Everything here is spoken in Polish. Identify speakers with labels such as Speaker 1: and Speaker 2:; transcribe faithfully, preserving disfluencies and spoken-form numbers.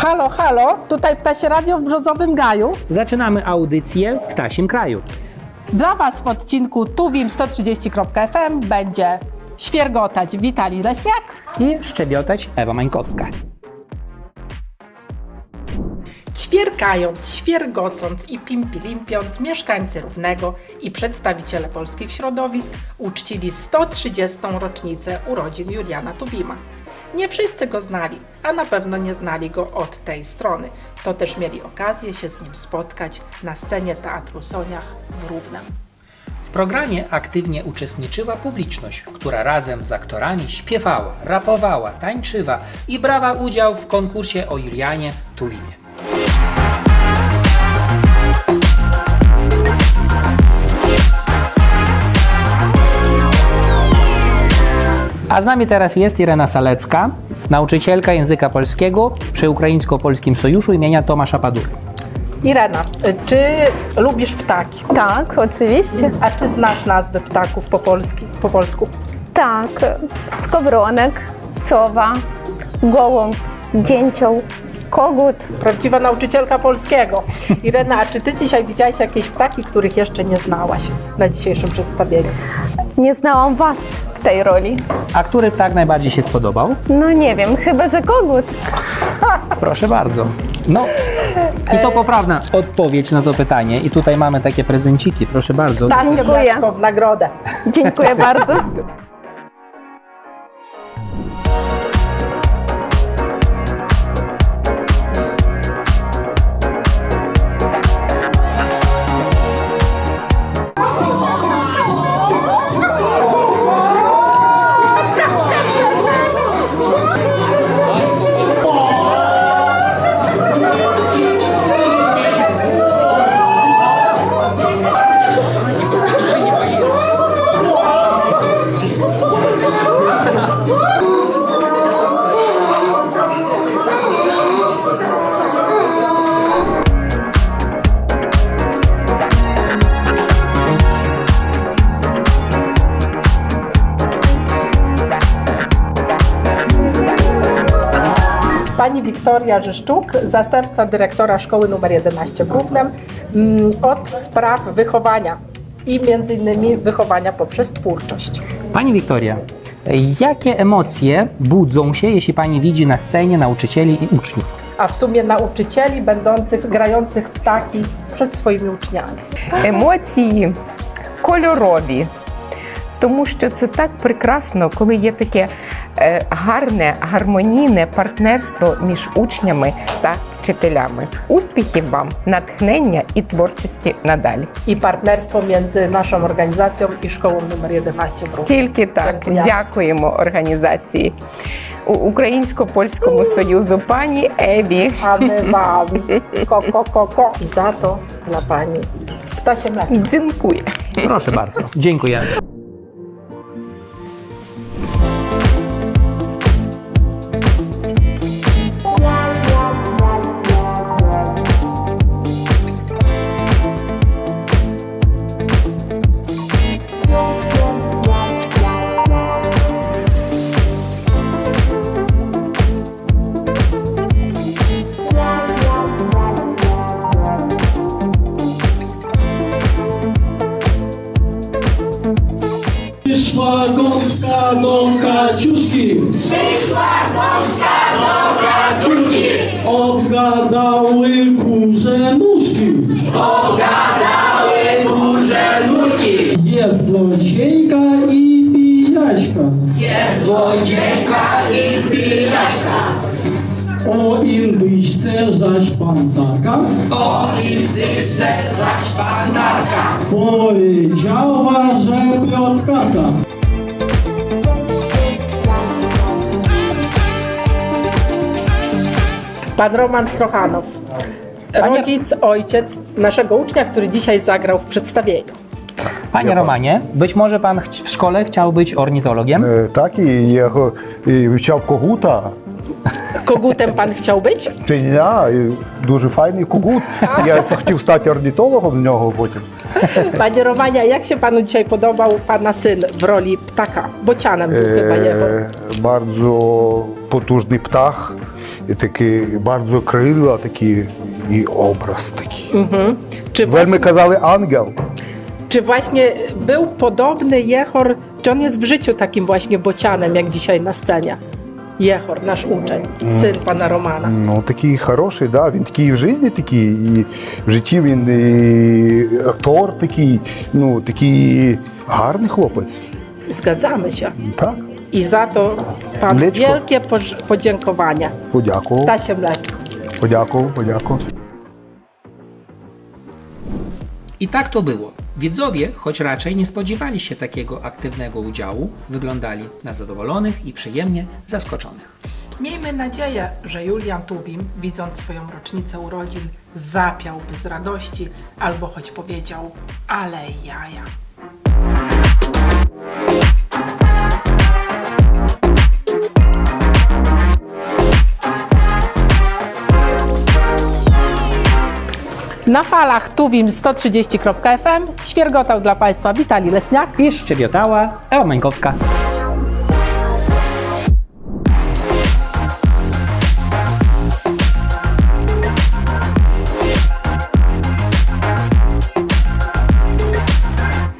Speaker 1: Halo, halo, tutaj Ptasie Radio w Brzozowym Gaju.
Speaker 2: Zaczynamy audycję w Ptasim Kraju.
Speaker 1: Dla Was w odcinku tuwim sto trzydzieści kropka f m będzie świergotać Witalij Leśniak
Speaker 2: I szczebiotać Ewa Mańkowska.
Speaker 1: Ćwierkając, świergocąc i pimpilimpiąc, mieszkańcy Równego i przedstawiciele polskich środowisk uczcili sto trzydziestą rocznicę urodzin Juliana Tuwima. Nie wszyscy go znali, a na pewno nie znali go od tej strony. To też mieli okazję się z nim spotkać na scenie Teatru Soniach w Równem.
Speaker 2: W programie aktywnie uczestniczyła publiczność, która razem z aktorami śpiewała, rapowała, tańczyła i brała udział w konkursie o Julianie Tuwimie. A z nami teraz jest Irena Salecka, nauczycielka języka polskiego przy Ukraińsko-Polskim Sojuszu imienia Tomasza Padury.
Speaker 1: Irena, czy lubisz ptaki?
Speaker 3: Tak, oczywiście.
Speaker 1: A czy znasz nazwy ptaków po, polski, po polsku?
Speaker 3: Tak, skowronek, sowa, gołąb, dzięcioł, kogut.
Speaker 1: Prawdziwa nauczycielka polskiego. Irena, a czy ty dzisiaj widziałaś jakieś ptaki, których jeszcze nie znałaś na dzisiejszym przedstawieniu?
Speaker 3: Nie znałam was w tej roli.
Speaker 2: A który ptak najbardziej się spodobał?
Speaker 3: No nie wiem, chyba że kogut.
Speaker 2: Proszę bardzo. No i to poprawna odpowiedź na to pytanie. I tutaj mamy takie prezenciki, proszę bardzo.
Speaker 1: Tak,
Speaker 3: Dziękuję.
Speaker 1: w nagrodę.
Speaker 3: Dziękuję bardzo.
Speaker 1: Pani Wiktoria Żyszczuk, zastępca dyrektora szkoły numer jedenaście w Równem, od spraw wychowania i między innymi wychowania poprzez twórczość.
Speaker 2: Pani Wiktoria, jakie emocje budzą się, jeśli Pani widzi na scenie nauczycieli i uczniów?
Speaker 1: A w sumie nauczycieli będących, grających ptaki przed swoimi uczniami.
Speaker 4: Емоції кольорові, тому що це так прекрасно, коли є таке е, гарне, гармонійне партнерство між учнями та wczyteлями. Успіхів вам, натхнення і творчості надалі.
Speaker 1: I partnerstwo między naszą organizacją i szkołą numer jedenaście w Równem.
Speaker 4: Тільки так.
Speaker 1: Дякую.
Speaker 4: Дякуємо організації У- Українсько-Польському Союзу пані Ewі.
Speaker 1: A my wam ko, ko, ko, ko. I za to dla pani ptasie mleczko.
Speaker 4: Дзінкує.
Speaker 2: Proszę bardzo. Dziękujemy.
Speaker 5: Przyszła gąska do Kaciuszki. Przyszła gąska do Kaciuszki. Obgadały kurze nóżki. Obgadały kurze nóżki. Jest złodziejka i pijaśka. Jest złodziejka i pijaśka. O indyjsce zaś pantarka. O indyjsce zaś pantarka. Powiedziała, że plotkata.
Speaker 1: Pan Roman Strochanow, rodzic, ojciec naszego ucznia, który dzisiaj zagrał w przedstawieniu.
Speaker 2: Panie Romanie, być może Pan ch- w szkole chciał być ornitologiem?
Speaker 6: Е, Так, і я го- і вивчав когута.
Speaker 1: Kogutem pan chciał być?
Speaker 6: Чиня, і дуже файний когут. Я хотів стати орнітологом в нього потім.
Speaker 1: Panie Romanie, jak się panu dzisiaj podobał pana syn w roli ptaka? Bocianem był chyba jego.
Speaker 6: Е, Bardzo potужний птах. такі bardzo крила, такі і образ такий.
Speaker 1: Czy,
Speaker 6: Вельми
Speaker 1: właśnie,
Speaker 6: казали ангел.
Speaker 1: czy właśnie był podobny Jehor, czy on jest w życiu takim właśnie bocianem, jak dzisiaj na scenie? Jehor, nasz uczeń, syn pana Romana.
Speaker 6: Ну, такий хороший, да, він такий і в житті такий, і в житті він і актор такий, ну, такий гарний хлопець.
Speaker 1: Zgadzamy się.
Speaker 6: Так,
Speaker 1: I za to pan
Speaker 6: Mleczko.
Speaker 1: wielkie poż- podziękowania.
Speaker 6: подякував,
Speaker 1: Tasie mleczko.
Speaker 6: подякував, подякував.
Speaker 2: I tak to było. Widzowie, choć raczej nie spodziewali się takiego aktywnego udziału, wyglądali na zadowolonych i przyjemnie zaskoczonych.
Speaker 1: Miejmy nadzieję, że Julian Tuwim, widząc swoją rocznicę urodzin, zapiałby z radości albo choć powiedział: ale jaja. Na falach Tuwim sto trzydzieści kropka f m świergotał dla Państwa Witali Lesniak
Speaker 7: I szczebiotała Ewa Mańkowska.